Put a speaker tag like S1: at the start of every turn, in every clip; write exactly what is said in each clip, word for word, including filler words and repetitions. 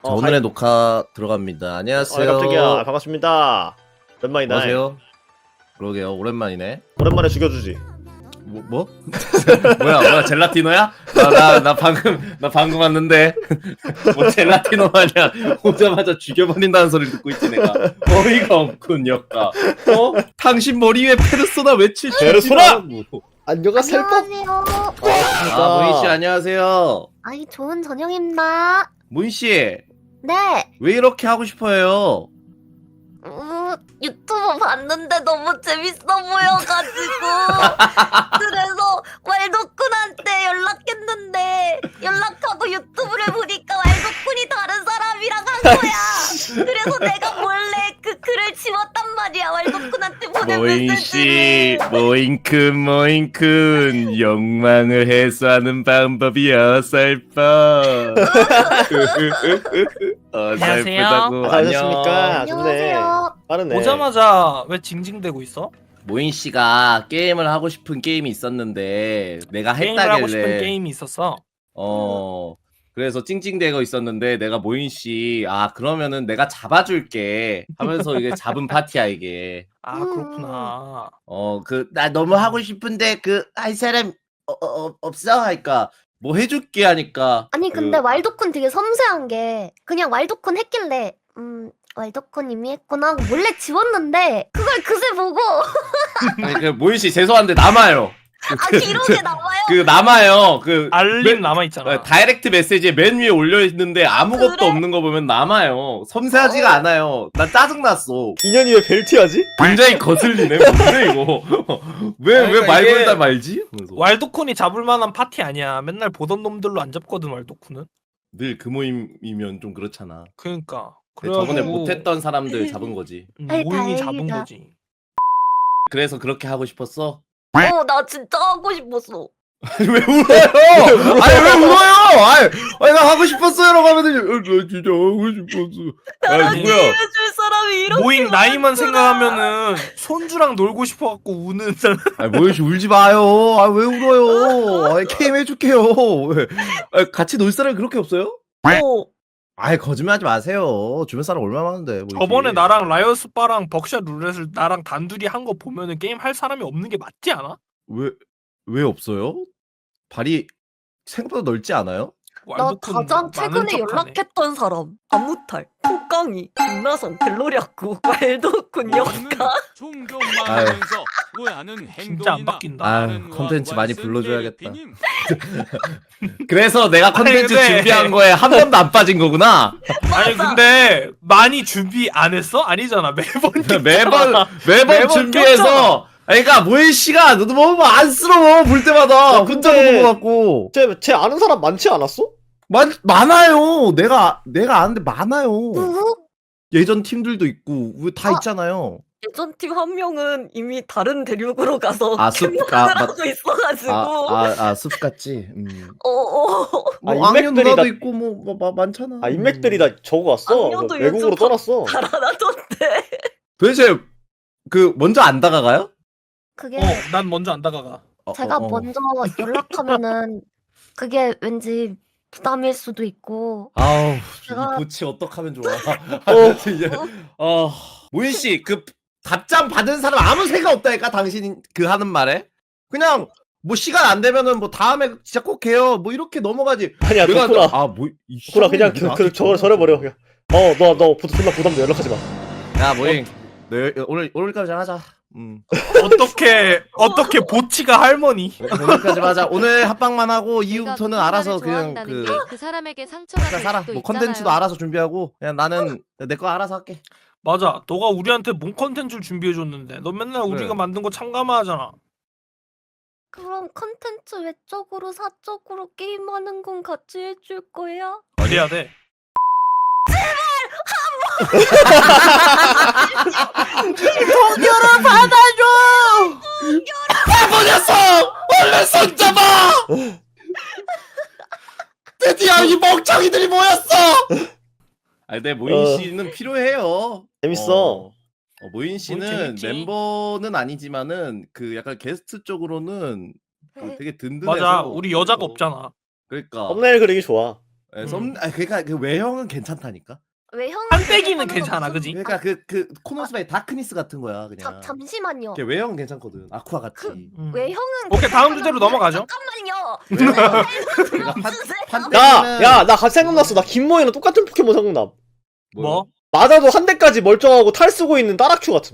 S1: 어,
S2: 오늘의
S1: 하이.
S2: 녹화 들어갑니다.
S1: 아,
S2: 안녕하세요.
S1: 깜짝이야. 반갑습니다. 오랜만이다.
S2: 안녕하세요. 그러게요. 오랜만이네.
S1: 오랜만에 죽여주지.
S2: 뭐? 뭐? 뭐야? 뭐야? 젤라티노야? 나, 나, 나 방금 나 방금 왔는데 뭐 젤라티노 마냥 오자마자 죽여버린다는 소리를 듣고 있지 내가. 어이가 없군 역가. 어? 당신 머리 위에 페르소나 외칠 줄
S1: 페르소나!
S2: 알고.
S1: 안녕하세요.
S3: 안녕하세요.
S2: 아 모인 씨 안녕하세요.
S3: 아이 좋은 저녁입니다.
S2: 모인 씨
S3: 네.
S2: 왜 이렇게 하고 싶어요?
S3: 음, 유튜브 봤는데 너무 재밌어 보여가지고 그래서 왈도쿤한테 연락했는데 연락하고 유튜브를 보니까 왈도쿤이 다른 사람이랑 한 거야. 그래서 내가 몰래 그 글을 지웠단 말이야. 왈도쿤한테 보낸
S2: 모인 씨,
S3: 메시지를.
S2: 모인큰 모인큰 욕망을 해소하는 방법이 어설퍼. 어설프다고.
S1: 아, 안녕하십니까. 좋네.
S3: 안녕하세요.
S1: 빠르네.
S4: 오자마자 왜 징징대고 있어?
S2: 모인 씨가 게임을 하고 싶은 게임이 있었는데 내가
S4: 게임을 하고 싶은
S2: 했다길래
S4: 게임이 있었어.
S2: 어 그래서 찡찡대고 있었는데 내가 모인 씨, 아 그러면은 내가 잡아줄게 하면서 이게 잡은 파티야 이게.
S4: 아
S3: 음.
S4: 그렇구나.
S2: 어 그 나 너무 하고 싶은데 그 할 사람 어, 어, 없어 하니까 뭐 해줄게 하니까.
S3: 아니 근데
S2: 그,
S3: 왈도쿤 되게 섬세한 게 그냥 왈도쿤 했길래 음 왈도쿤 이미 했구나 하고 몰래 지웠는데 그걸 그새 보고
S2: 아니, 그 모인 씨 죄송한데 남아요.
S3: 아 기록에 남아요?
S2: 그 남아요. 그
S4: 알림
S2: 맨-
S4: 남아 있잖아.
S2: 어, 다이렉트 메시지에 맨 위에 올려 있는데 아무것도
S3: 그래?
S2: 없는 거 보면 남아요. 섬세하지가
S3: 어.
S2: 않아요. 나 짜증 났어.
S1: 인연이 왜 벨트하지?
S2: 굉장히 거슬리네. 뭔데 이거? 왜 왜
S4: 그러니까
S2: 말
S4: 이게-
S2: 걸다 말지? 그래서
S4: 왈도쿤이 잡을 만한 파티 아니야. 맨날 보던 놈들로 안 잡거든 왈도쿤은.
S2: 늘 그 모임이면 좀 그렇잖아.
S4: 그러니까.
S2: 저번에
S4: 그래가지고,
S2: 못했던 사람들 잡은 거지.
S4: 음,
S3: 아이,
S4: 모임이 잡은
S3: 다행이다.
S4: 거지.
S2: 그래서 그렇게 하고 싶었어?
S3: 어 나 진짜 하고 싶었어.
S2: 왜 울어요? 아니 왜 울어요? 아니, 아니 나 하고 싶었어요라고 하면은 어, 나 진짜 하고 싶었어.
S3: 나랑
S2: 아니 뭐야?
S3: 게임해줄 사람이 이렇게
S4: 모임 나이만
S3: 많구나.
S4: 생각하면은 손주랑 놀고 싶어갖고 우는 사람.
S2: 아니 모여씨 울지 마요. 아 왜 울어요? 아니 게임 해줄게요. 왜? 아니, 같이 놀 사람이 그렇게 없어요?
S3: 어.
S2: 아이 거짓말하지 마세요. 주변 사람 얼마나 많은데. 모이씨.
S4: 저번에 나랑 라이어스바랑 벅샷 룰렛을 나랑 단둘이 한 거 보면은 게임 할 사람이 없는 게 맞지 않아?
S2: 왜, 왜 없어요? 발이 생각보다 넓지 않아요?
S3: 나
S4: 왈도쿤
S3: 가장
S4: 많은
S3: 최근에
S4: 척하네.
S3: 연락했던 사람 안무탈, 콩깡이, 김나성, 갤로리아쿠, 왈도쿤, 역가.
S5: 존경만하면서 오해하는
S4: 진짜 안
S5: 행동이나
S4: 바뀐다.
S2: 아유, 컨텐츠 많이
S5: 왓슨
S2: 불러줘야겠다.
S5: 베리피님.
S2: 그래서 내가 컨텐츠
S4: 아니, 근데-
S2: 준비한 거에 한 번도 안 빠진 거구나.
S4: 아니 근데 많이 준비 안 했어? 아니잖아 매번
S2: 매번 매번
S4: 매번
S2: 준비해서.
S4: 꼈잖아.
S2: 아니, 그러니까 모인 씨가 너도 너무 안쓰러워 볼 때마다
S1: 야,
S2: 혼자
S1: 근데-
S2: 보는 것 같고.
S1: 쟤, 쟤 아는 사람 많지 않았어?
S2: 많 많아요. 내가 내가 아는데 많아요.
S3: 누구?
S2: 예전 팀들도 있고 다
S3: 아.
S2: 있잖아요.
S3: 예전 팀 한 명은 이미 다른 대륙으로 가서
S2: 아, 숲-
S3: 캠핑을
S2: 아, 맞-
S3: 하고 있어가지고.
S2: 아아아숲 같지. 음.
S3: 어어.
S1: 아,
S2: 뭐 악녀
S1: 인맥들이
S2: 누나도
S1: 다-
S2: 있고 뭐, 뭐, 뭐 많잖아.
S1: 아, 인맥들이 다 저거 왔어.
S3: 악녀도
S1: 외국으로
S3: 요즘
S1: 떠났어.
S3: 달아나던데.
S2: 도대체 그 먼저 안 다가가요?
S3: 그게
S4: 어난 먼저 안 다가가.
S2: 어,
S3: 제가
S2: 어, 어.
S3: 먼저 연락하면은 그게 왠지 부담일 수도 있고.
S2: 아우
S3: 제가-
S2: 이 보치 어떡하면 좋아. 어 진짜. 어 모인 씨그 답장 받은 사람 아무 생각 없다니까 당신 그 하는 말에 그냥 뭐 시간 안 되면은 뭐 다음에 진짜 꼭 해요 뭐 이렇게 넘어가지.
S1: 아니야,
S2: 내가
S1: 덕구나.
S2: 아뭐
S1: 덕구나, 그냥 그, 그, 저거 절해버려. 그냥. 어, 너, 너, 부- 존나 부담돼. 연락하지 마.
S2: 야 모인 너 오늘 오늘까지 하자. 음
S4: 어떻게 어떻게 보치가 할머니?
S2: 오늘까지 하자. 오늘 합방만 하고
S6: 내가
S2: 이후부터는
S6: 그
S2: 알아서
S6: 사람을
S2: 그냥
S6: 좋아한다는
S2: 그
S6: 게 그 사람에게 상처가
S2: 각자
S6: 될
S2: 살아.
S6: 수도
S2: 뭐
S6: 있잖아요.
S2: 컨텐츠도 알아서 준비하고 그냥 나는 내 거 알아서 할게.
S4: 맞아. 너가 우리한테 뭔 컨텐츠를 준비해 줬는데 너 맨날
S2: 그래.
S4: 우리가 만든 거 참가만 하잖아.
S3: 그럼 컨텐츠 외적으로 사적으로 게임하는 건 같이 해줄 거야?
S4: 어디야 돼?
S2: 동료를 받아줘! 바보녀석! 얼른 손잡아! 드디어 이 멍청이들이 모였어! 아니, 내 모인
S1: 어.
S2: 씨는 필요해요.
S1: 재밌어.
S2: 어, 어, 모인 씨는
S4: 재밌지.
S2: 멤버는 아니지만은 그 약간 게스트 쪽으로는 그 되게 든든해서.
S4: 맞아. 우리 여자가
S2: 어,
S4: 없잖아.
S2: 그러니까.
S1: 썸네일 그리기 좋아.
S2: 예, 썸, 아 그러니까 그 외형은 괜찮다니까.
S3: 외형
S4: 한때기는 괜찮아, 그지?
S2: 그러니까 그 그 코노스바의 다크니스 같은 거야 그냥.
S3: 잠 잠시만요.
S2: 걔 외형은 괜찮거든. 아쿠아 같이.
S3: 그-
S4: 음.
S3: 외형은
S4: 오케이, 다음 주제로 넘어가죠.
S3: 잠깐만요.
S2: 판
S1: 야, 야, 나 갑자기 생각났어. 나 김모이랑 똑같은 포켓몬 생각나.
S4: 뭐?
S1: 맞아도 한 대까지 멀쩡하고 탈 쓰고 있는 따라큐 같은.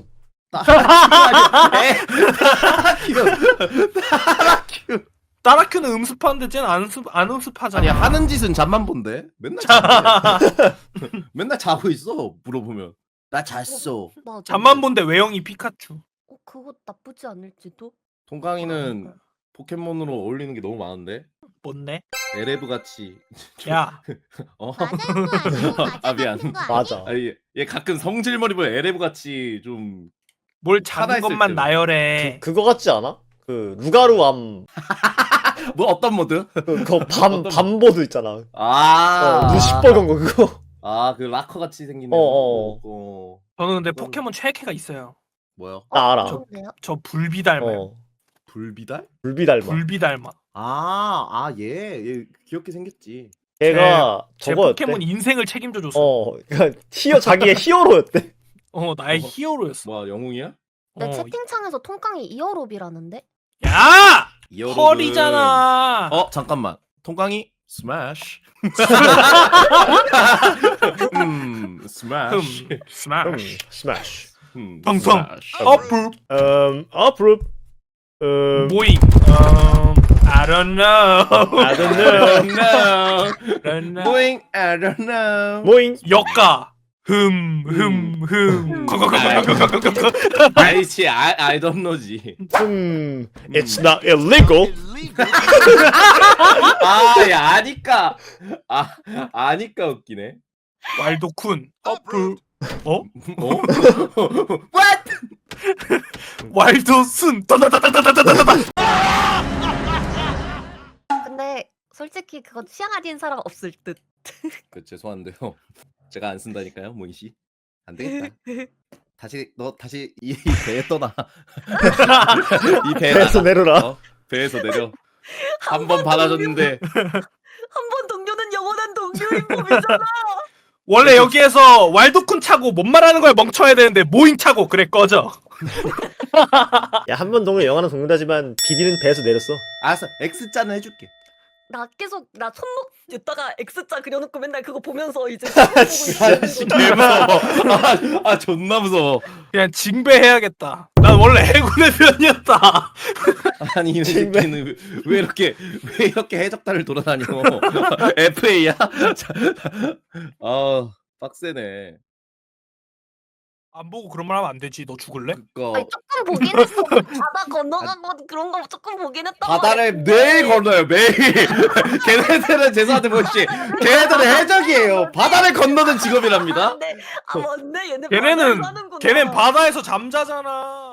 S2: 따라큐.
S4: 따라큐는 음습하는데 쟤는 안, 음습, 안 음습하잖아.
S2: 아니 하는 짓은 잠만 본대. 맨날 자고 맨날 자고 있어. 물어보면 나 잤어.
S3: 맞아.
S4: 잠만 본데 외형이 피카츄.
S3: 어, 그거 나쁘지 않을지도.
S2: 동강이는 포켓몬으로 어울리는 게 너무 많은데.
S4: 뭔데?
S2: 에레브 같이.
S4: 야,
S2: 어.
S3: 맞아요, 맞아요.
S2: 아, 미안.
S1: 맞아.
S2: 아니 얘 가끔 성질머리 보여. 에레브 같이 좀.
S4: 뭘
S2: 하나
S4: 작은
S2: 있을
S4: 것만
S2: 때는.
S4: 나열해.
S1: 그, 그거 같지 않아? 그 루가루암
S2: 뭐 어떤 모드?
S1: 그밤
S2: 어떤-
S1: 밤보드 있잖아.
S2: 아.
S1: 어, 눈 시뻘건 거 그거.
S2: 아, 그 락커 같이 생긴.
S1: 어, 어.
S2: 어.
S4: 저는 근데
S2: 그건-
S4: 포켓몬 최애캐가 있어요.
S2: 뭐요?
S1: 나 알아.
S3: 좋네요.
S4: 저 불비 닮아요.
S1: 어.
S2: 불비달?
S1: 불비 닮아.
S4: 불비 닮아.
S2: 아, 아, 얘, 얘 귀엽게 생겼지.
S1: 걔가
S4: 제
S1: 저거였대.
S4: 포켓몬 인생을 책임져 줬어.
S1: 어, 그러니까 히어 자기의 히어로였대.
S4: 어, 나의
S2: 어.
S4: 히어로였어.
S2: 뭐야, 영웅이야?
S3: 내
S4: 어.
S3: 채팅창에서 통깡이 이어롭이라는데.
S4: 야!
S2: 이어로그.
S4: 펄이잖아.
S2: 어, 잠깐만. 통깡이 스매시. 음, 스매시.
S4: 흠, 스마시.
S1: 스매시.
S2: 음,
S4: 텅텅.
S2: 스매시.
S4: 어플.
S1: 음, 어프룹. 음,
S4: 모잉. 음, I don't know.
S1: I don't
S2: I
S1: know.
S2: don't know.
S4: I don't know.
S2: Going, I don't know.
S1: 모잉.
S4: 역가. 흠, 흠, 흠.
S2: 아이치, I, I don't know지.
S1: 음, it's not illegal.
S2: 아, 야, 아니까. 아, 아니까 웃기네.
S4: 왈도쿤. 어플. 어?
S2: 어? What?
S4: 왈도순. 따다다다다다다다.
S3: 근데 솔직히 그거 취향 아닌 사람 없을 듯.
S2: 그 죄송한데요. 제가 안 쓴다니까요, 모이 씨. 안 되겠다. 다시 너 다시 이, 이 배에 떠나. 이 배에
S1: 배에서
S2: 나가.
S1: 내려라.
S2: 어? 배에서 내려. 한 번 받아줬는데
S3: 한 번 동료는 영원한 동료인 법이잖아.
S4: 원래 여기에서 왈도쿤 차고 뭔 말하는 거야 멍청해야 되는데 모잉 차고 그래 꺼져.
S1: 야, 한 번 동안 영화는 동료다지만 비비는 배에서 내렸어.
S2: 알았어. X자는 해줄게.
S3: 나 계속 나 손목 여다가 X자 그려놓고 맨날 그거 보면서 이제 보고 있어.
S2: 개 무서워. 아, 아 존나 무서워.
S4: 그냥 징배해야겠다. 난 원래 해군의 편이었다.
S2: 아니 이
S1: 정말.
S2: 새끼는 왜, 왜 이렇게 왜 이렇게 해적단을 돌아다녀? 에프에이야? 아 빡세네.
S4: 안 보고 그런 말 하면 안 되지. 너 죽을래?
S2: 그거
S3: 아니 조금 보긴 했어. 바다 건너간 거 그런 거 조금 보긴 했단
S2: 바다를
S3: 말이야.
S2: 매일 건너요 매일. 걔네들은 죄송한데 뭐지? 걔네들은 해적이에요. 바다를 건너는 직업이랍니다.
S3: 아, 네. 아 맞네 얘네
S4: 걔네는
S3: 바다에 사는구나.
S4: 걔넨 바다에서 잠자잖아.